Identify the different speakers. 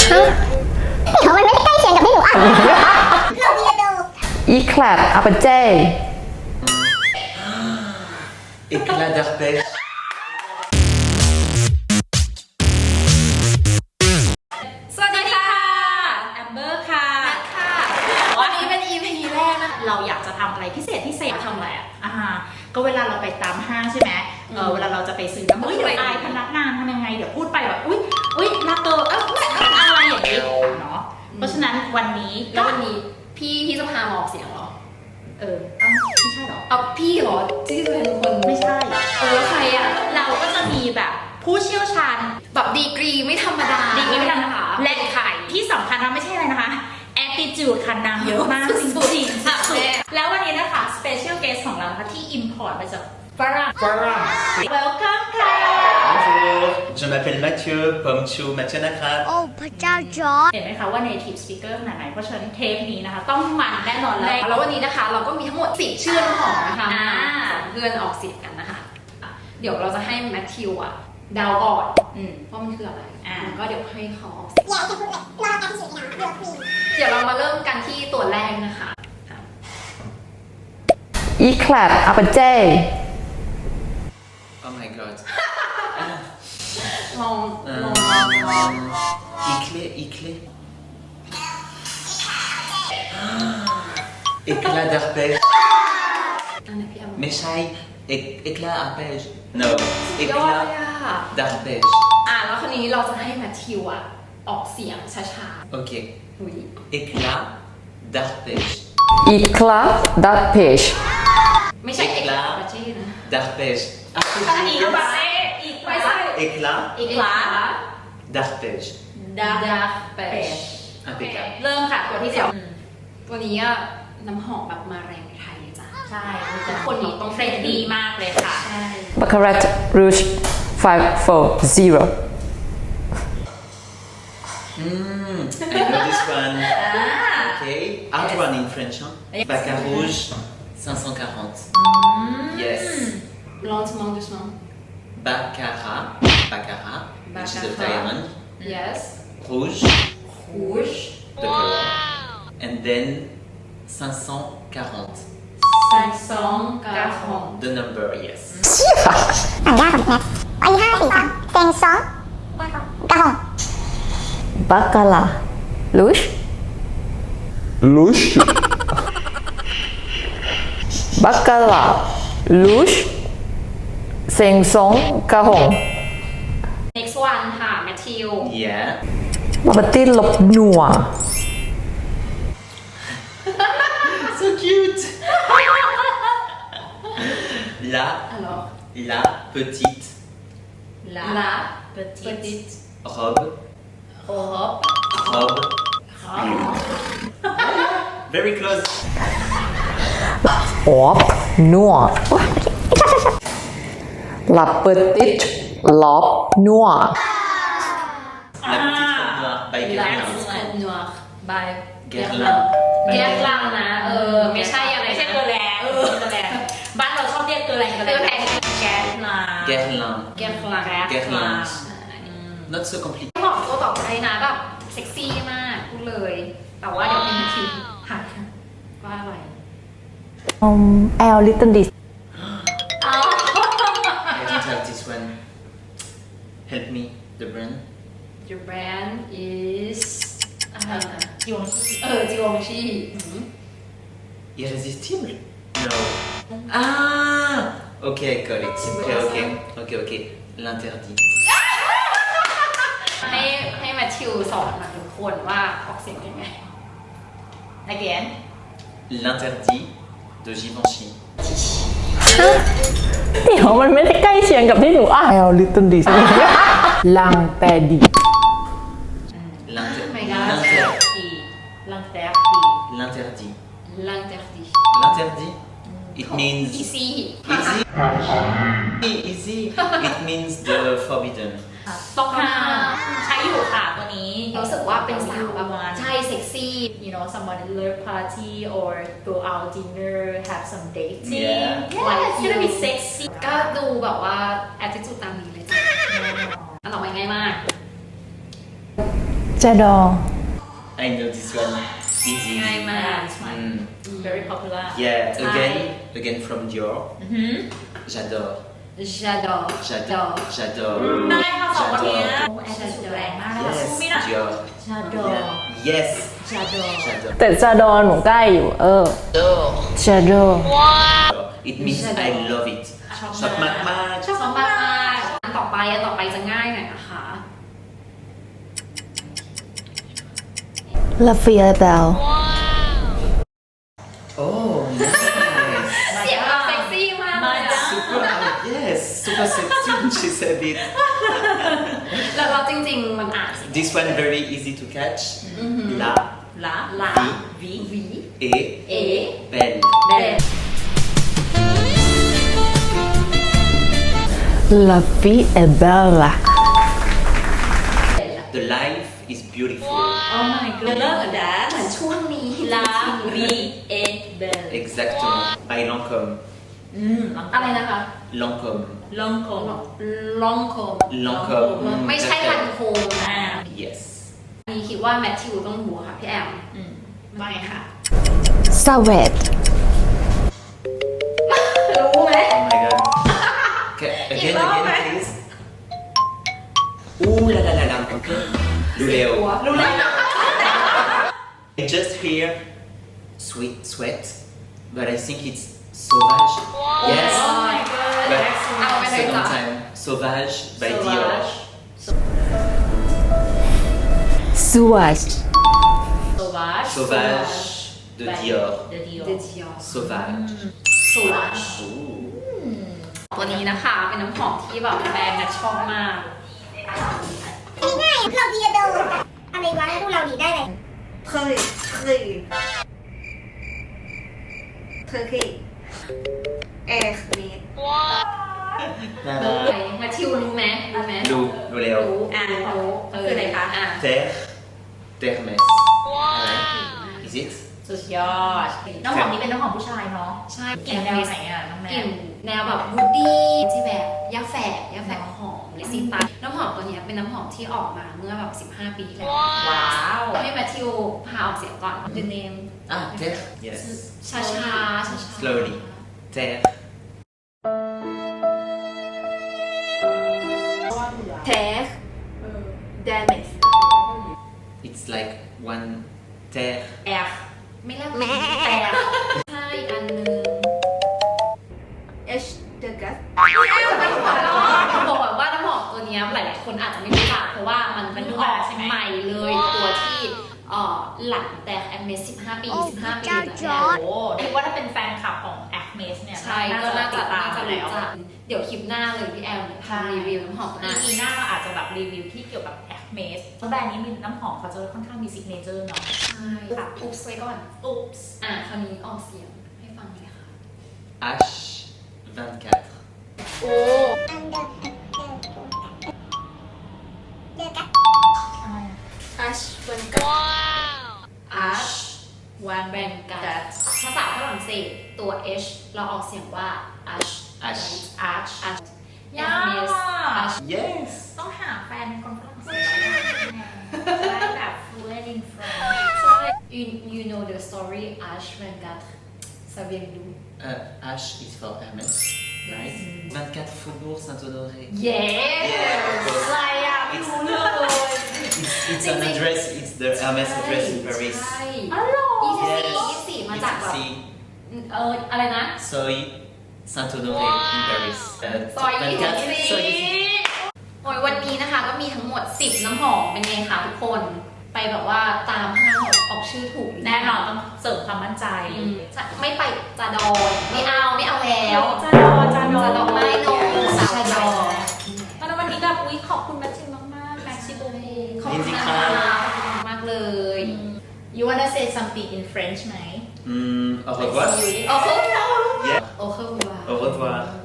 Speaker 1: เดี๋ยวมันไม่ได้ใกล้เคียงกับที่หนูอ่านเราเรียนดู
Speaker 2: Éclat appetez.
Speaker 3: Éclat d'arpège.
Speaker 4: สวัสดีค่ะแอมเบอร์ค่ะค่ะวันนี้เป็น EP แรกนะเราอยากจะทำอะไรพิเศษทำอะไรก็เวลาเราไปตามห้างใช่ไหมเวลาเราจะไปซื้อน้ำเดี๋ยวอายพนักงานทำยังไงเดี๋ยวพูดไปแบบอุ้ยนาเตอร์อะไรอย่างนี้เนาะเพราะฉะนั้นวันนี้
Speaker 5: แล้ววันนี้พี่จะพามาออกเสียงเหรอ
Speaker 4: ไม่ใช่หรอ
Speaker 5: เอาพี่เหรอที่จะเป็นคน
Speaker 4: ไม่ใช่
Speaker 5: แล้วใครอ่ะ
Speaker 4: เราก็จะมีแบบผู้เชี่ยวชาญ
Speaker 5: แบบดีกรีไม่ธรรมดา
Speaker 4: ดีกรีไม่ธรรมดา
Speaker 5: และ
Speaker 4: และไข่ที่สำคัญนะไม่ใช่อะไรนะคะ attitude ค่ะนางเยอะมากจริง
Speaker 5: สุดๆ
Speaker 4: ๆสุดๆแล้ววันนี้นะคะ special guest ของเรานะคะที่ import มาจากฝรั่ง welcome ค่ะ
Speaker 3: Bonjour, je m'appelle Mathieu, Pomchou, Mathieu Nakrat.
Speaker 1: โอ้พระเจ้าจอร์จ
Speaker 4: เห็นไหมคะว่า native speaker ขนาดไหนเพราะฉะนั้นเทปนี้นะคะ ต้องมันแน่นอนเลย
Speaker 5: แล้ววันนี้นะคะเราก็มีทั้งหมด10ชื่อน้ำหอมนะคะ
Speaker 4: อ่า
Speaker 5: สอนเพื่อนออกเสียงกันนะคะ เดี๋ยวเราจะให้แมทธิวอ่ะเดาก่อนว่ามันคืออะไรแล้วก็เดี๋ยวให้เขาออกเสียง
Speaker 1: อย่าจะพูดเลยรอการที่สุดนะเดี๋ยวคุย
Speaker 5: เดี๋ยวเรามาเริ่มกันที่ตัวแรกนะคะ
Speaker 2: Éclat appetez.
Speaker 3: Oh my god.
Speaker 5: ลอง
Speaker 3: Éclat, éclat. Éclat d'arpège.
Speaker 5: อันไหนพี่แอม
Speaker 3: Mais chai, éclat arpège. No,
Speaker 5: ยอด
Speaker 3: éclat
Speaker 5: เลยอะ
Speaker 3: d'arpège.
Speaker 5: แล้วคนนี้เราจะให้แมทธิวอ่ะออกเสียงช้า
Speaker 3: Ok.
Speaker 5: ๆอุ้ย
Speaker 3: Éclat d'arpège.
Speaker 2: Éclat d'arpège.
Speaker 5: ไม่ใช่เอกลักษณ์จีนะ
Speaker 3: D'arpège.
Speaker 4: อีกไปอีกไป
Speaker 5: ไม่ใช่
Speaker 3: Éclat
Speaker 4: อีกละ
Speaker 3: d'arpège.
Speaker 4: ดา
Speaker 5: ดาเปช
Speaker 3: Impeccable.
Speaker 4: เริ่มค่ะตัวที่สอง
Speaker 5: ตัวนี้อะน้ำหอมแบบมาแรงในไทยเลยจ้ะ
Speaker 4: ใช่คนนี้ต้องเฟรนดีมากเลยค่ะ
Speaker 5: ใช่
Speaker 2: Baccarat Rouge 540.
Speaker 3: I know this one. Okay. Hard one in French, hein? Baccarat Rouge 540. Yes.
Speaker 5: ลองมองดูสิ
Speaker 3: Baccarat, which is a diamond.
Speaker 5: yes
Speaker 3: Rouge,
Speaker 5: rouge
Speaker 3: the color. And then 540.
Speaker 5: 540
Speaker 3: The number, yes.
Speaker 1: อ่านยากกว่าแม็กอันนี้5 4 3เซงซองกระหอง
Speaker 2: Baccarat Rouge.
Speaker 6: Louche.
Speaker 2: Baccarat Rouge. 540.
Speaker 4: next one ค่ะแมทธิว
Speaker 3: Yeah.
Speaker 2: Appetez lop noir.
Speaker 3: So cute. La,
Speaker 5: alors
Speaker 3: la petite
Speaker 4: la petite
Speaker 3: robe, robe. Very close.
Speaker 2: Lop noir. La petite lop noir.
Speaker 3: La petite robe noire by Guerlain.
Speaker 5: Red noir by
Speaker 3: Guerlain.
Speaker 5: แยกล่างนะไม่ใช่อะไร
Speaker 4: ไม่ใช่เกลือแรงเกลือแรงบ้านเราชอบเรียกเกลือแรงแก๊สมา
Speaker 3: Guerlain.
Speaker 5: แยกล่าง
Speaker 3: Guerlain. Not so complicated.
Speaker 5: หอมตัวต่อไปนะแบบเซ็กซี่มากพูดเลย แต่ว่าเดี๋ยวเป็นทีหักว่าอะไร
Speaker 2: L little this.
Speaker 3: I don't have this one. Help me, the brand.
Speaker 5: Your brand is อะไรนะ
Speaker 4: ยง
Speaker 5: จิวงชี
Speaker 3: Irrésistible? No. Ah! Okay, I got it. Okay. L'interdit.
Speaker 5: ให้แมทธิวสอนมาทุกคนว่าออกเสียงยังไง
Speaker 4: again
Speaker 3: L'interdit de Givenchy.
Speaker 2: เดี๋ยวมันไม่ได้ใกล้เคียงกับที่หนูอ่าน L little this. L'interdit.
Speaker 5: my god
Speaker 3: L'interdit.
Speaker 4: ลังแตก
Speaker 3: L'interdit.
Speaker 5: l'interdit
Speaker 3: L'interdit? It means
Speaker 5: easy
Speaker 3: easy. Easy. It means the forbidden.
Speaker 4: ต้องห้ามใช้อยู่ค่ะตัวนี้
Speaker 5: รู้สึกว่าเป็นสาวแบบใช่เซ็กซี่
Speaker 4: you know somebody love party or go out dinner have some dating
Speaker 3: Yeah.
Speaker 4: like it's gonna be sexy
Speaker 5: ก็ดูแบบว่า attitude ตามนี้เลยจ้ะอันต่อไปง่ายมาก
Speaker 2: J'adore.
Speaker 3: I know this one. Easy.
Speaker 5: ง่ายมาก
Speaker 3: Mm.
Speaker 4: very popular
Speaker 3: Yeah, again from Dior. J'adore.
Speaker 5: J'adore
Speaker 3: J'adore. J'adore.
Speaker 4: ได้ค่ะสองคนเนี้ย
Speaker 3: J'adore.
Speaker 4: โอ้แอดสุดแรงมากเลย
Speaker 3: Yes,
Speaker 4: สู้ไม่ได้
Speaker 3: Dior.
Speaker 4: ชาดอ
Speaker 3: Yes.
Speaker 4: ชาดอ
Speaker 3: J'adore.
Speaker 2: แต่ J'adore หนูใกล้อยู่J'adore.
Speaker 3: It means I love it. ชอบมากมาก
Speaker 5: ชอบมากๆอันต่อไปจะง่ายหน่อยนะคะ
Speaker 2: La Fille Belle.
Speaker 3: Oh, nice.
Speaker 5: เสียงเราเซ็กซี่มากเลยอะ
Speaker 3: Super, yes, super sexy when she said it.
Speaker 5: แล้วเราจริงๆมันอ่าน
Speaker 3: This one very easy to catch. La,
Speaker 4: ละ
Speaker 5: ลา
Speaker 4: วี
Speaker 3: et,
Speaker 5: เอ
Speaker 3: belle.
Speaker 5: เบน
Speaker 2: La Fille est belle.
Speaker 3: The life is beautiful.
Speaker 4: oh my god love that
Speaker 5: เหมือนช่วงนี้
Speaker 4: ลาวีเอเบล
Speaker 3: Exactement. By Lancôme.
Speaker 5: อะไรนะคะ
Speaker 3: Lancôme.
Speaker 4: ลองคง
Speaker 5: ลองโคม
Speaker 3: Lancôme.
Speaker 5: ไม่ใช่พันโคม
Speaker 4: อ่า
Speaker 3: Yes.
Speaker 5: มีคิดว่าแมทธิวต้องรู้ค่ะพี่แอม
Speaker 4: ว่าไงคะ
Speaker 2: Savette.
Speaker 5: รู้ไหม
Speaker 3: Oh my god. Okay, again, please. Ooh la la la la. Okay. Luleo.
Speaker 5: รู้เลย
Speaker 3: I just hear sweat, but I think it's sauvage. Yes.
Speaker 4: oh my god
Speaker 3: But
Speaker 5: เอาไปเลย
Speaker 3: second
Speaker 5: จ้ะ
Speaker 3: time, sauvage by Dior.
Speaker 2: Sauvage.
Speaker 4: sauvage
Speaker 3: Sauvage de Dior.
Speaker 4: de Dior
Speaker 5: เดจิอ
Speaker 3: Sauvage.
Speaker 5: สวัส
Speaker 3: Ooh.
Speaker 5: ตัวนี้นะคะ เป็นน้ำหอมที่แบบแบรนด์แมทชอบมาก
Speaker 1: ง่ายๆเราดีอะโดอะไรวะแล้วดูเราดีได้เลย
Speaker 5: แมทธิวรู้ไหมรู้ไหม
Speaker 3: Luleo.
Speaker 5: รู้รู้คืออะไรคะอ่ะ
Speaker 3: Terre. Termes. Is it?
Speaker 4: สุดยอดน้ำหอมนี้เป็นน้ำหอมผู้ชายเนาะ
Speaker 5: ใช่
Speaker 4: กลิ่นแนวไหนอ่ะน้องแน
Speaker 5: กลิ่
Speaker 4: น
Speaker 5: นแนวแบบวูดดี้ที่แบบยาแฝกหอมลิซิตาน้ำหอมตัวเนี้ยเป็นน้ำหอมที่ออกมาเมื่อแบบ15 ปีที่แล้ว
Speaker 4: ว้าว
Speaker 5: ให้แมทธิวพาออกเสียงก่อน The name
Speaker 3: Ah, terre. Yes.
Speaker 5: ช้าๆ
Speaker 3: Slowly. Terre.
Speaker 5: เทส damage
Speaker 3: It's like one terre.
Speaker 4: แอฟ
Speaker 5: ไม่แลกแต่ใช่อีกอันนึง
Speaker 1: H the gas
Speaker 5: บอกแบบว่าน้ำหอมตัวเนี้ยหลายๆคนอาจจะไม่รู้จักเพราะว่ามันออกใหม่เลยตัวที่หลังแต่แอมเมส15 ปีเลยนะเนี่ย
Speaker 4: โอ้คิดว่าถ้าเป็นแฟนคลับของ Acmes เนี่ย
Speaker 5: ใช่ก็น่าจะ
Speaker 4: ตาม
Speaker 5: รู้
Speaker 4: แล้ว
Speaker 5: จักเดี๋ยวคลิปหน้าเลยพี่แอมทำรีวิวน้ำหอมหน้า
Speaker 4: ปีหน้าเราอาจจะแบบรีวิวที่เกี่ยวกับ Acmes เพราะแบรนด์นี้มีน้ำหอมเขาจะค่อนข้างมีซิกเนเจอร์เนาะ
Speaker 5: ใช่ค่ะอุ๊บไว้ก่อน
Speaker 4: อุ๊บ
Speaker 5: คำนี้ออกเสียงให้ฟังเลยค่ะ
Speaker 3: H24.
Speaker 1: อันเดอร์เดอร์กัส
Speaker 5: Ash วันกัด Ash วันแบนกัดภาษาฝรั่งเศสตัว H เราออกเสียงว่า Ash
Speaker 3: Ash.
Speaker 4: Arch
Speaker 5: Ash
Speaker 4: ยาก
Speaker 5: Ash
Speaker 3: Yes.
Speaker 4: ต้องหาแฟนเป็นคนฝรั่งเศสจะได้แบบ fluent in French
Speaker 5: ใช่ you know the story Ash วันกัด saviez-vous
Speaker 3: H is for Hermès, right? 24 Faubourg Saint-Honoré.
Speaker 5: Yes อะไรอ่ะไม่รู้เลย
Speaker 3: It's an address, it's the Hermès address in Paris.
Speaker 5: ใช่
Speaker 4: อ๋อเหรอ
Speaker 5: 24มาจากแบบ
Speaker 3: See,
Speaker 5: อะไรนะ
Speaker 3: Soy Saint-Honoré in Paris.
Speaker 5: ซอย
Speaker 3: 24, Soy
Speaker 5: โอ้ยวันนี้นะคะก็มีทั้งหมด 10 น้ำหอมเป็นไงคะทุกคนไปแบบว่าตามห้างออกชื่อถูก
Speaker 4: แน่นอนต้องเสริมความมั่นใจ
Speaker 5: ไม่ไปจาดอยไม่เอาแล้ว
Speaker 4: จาดอ
Speaker 5: จาดอไม่โนสาวจอ
Speaker 4: ตอนวันนี้แบบอุ๊ยขอบคุณแมทชิ่งมากๆแม็กซิโบ
Speaker 5: ขอบคุณนะคะมากเลย
Speaker 4: You wanna say something in French ไหม
Speaker 3: Au revoir.
Speaker 5: โอ้โห
Speaker 3: Yeah.
Speaker 5: โอ้โห
Speaker 3: Au revoir.